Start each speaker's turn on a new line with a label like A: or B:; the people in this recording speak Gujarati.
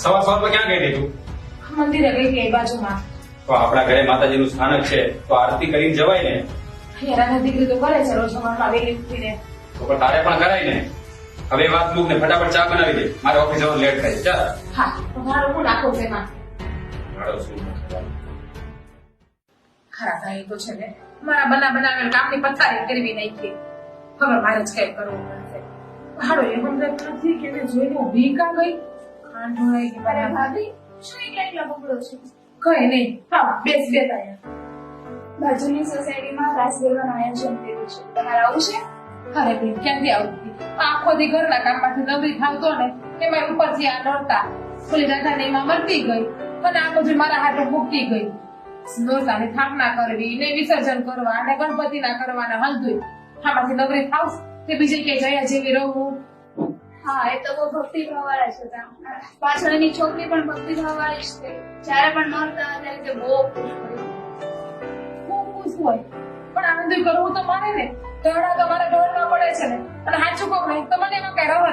A: સવારમાં ક્યાં ગઈ તું?
B: મંદિરે ગઈ કે બાજુમાં.
A: તો આપણા ઘરે માતાજીનું સ્થાનક છે તો આરતી કરીને જવાય ને.
B: હેરાની દીકરી તો કરે છે રોજ સવારમાં વહેલી ઉઠીને.
A: તો પણ તારે પણ કરાય ને. હવે વાત મૂક ને ફટાફટ ચા બનાવી દે, મારે ઓફિસ જવાનું લેટ થાય. ચાલ.
B: હા તો મારું હું નાખું છે એમાં.
A: મારો શું
B: ખરા ભાઈ તો છે ને મારા બનાવેલ કામની પથારી કરવી નાખી. હવે મારે જ કઈ કરવું પડશે. હાડો એ મને નથી કે એને જોઈને ઊભી કાં ગઈ. ખાંડ ઢોળાઈ ગઈ.
C: અરે ભાભી શું એકલા બગડો છે?
B: કઈ નહીં. હા બેસ અહીંયા.
C: બાજુની સોસાયટીમાં રાસ ગરબાનું આયોજન કર્યું છે, તમારે આવું છે?
B: અરે બેન ક્યાંથી આવતી આખો દી ઘરના કામમાંથી નવરી થાવતો ને એમાં ઉપરથી આ નોરતા ઓલી રાધાને એમાં મરતી ગઈ અને આ બધું મારા હાથે મૂકી ગઈ. નોરતાની સ્થાપના કરવી ને વિસર્જન કરવા અને ગણપતિના કરવાના હલદુય આમાંથી નવરી થાવ કે બીજે કઈ ગયા જેવી રહું.
C: હા, એ તો બહુ ભક્તિભાવ વાળા છે. પાછળ એની છોકરી પણ ભક્તિભાવ વાળી જ છે. જયારે પણ નોરતા ત્યારે તે બહુ ખુશ હોય.
B: હું ખુશ હોય પણ આનંદ કરવું તો મારે ને. ઢોળા તો મારા ઢોળવા પડે છે ને અને સાચું કહું ને તો મને એમાં કઈ રવા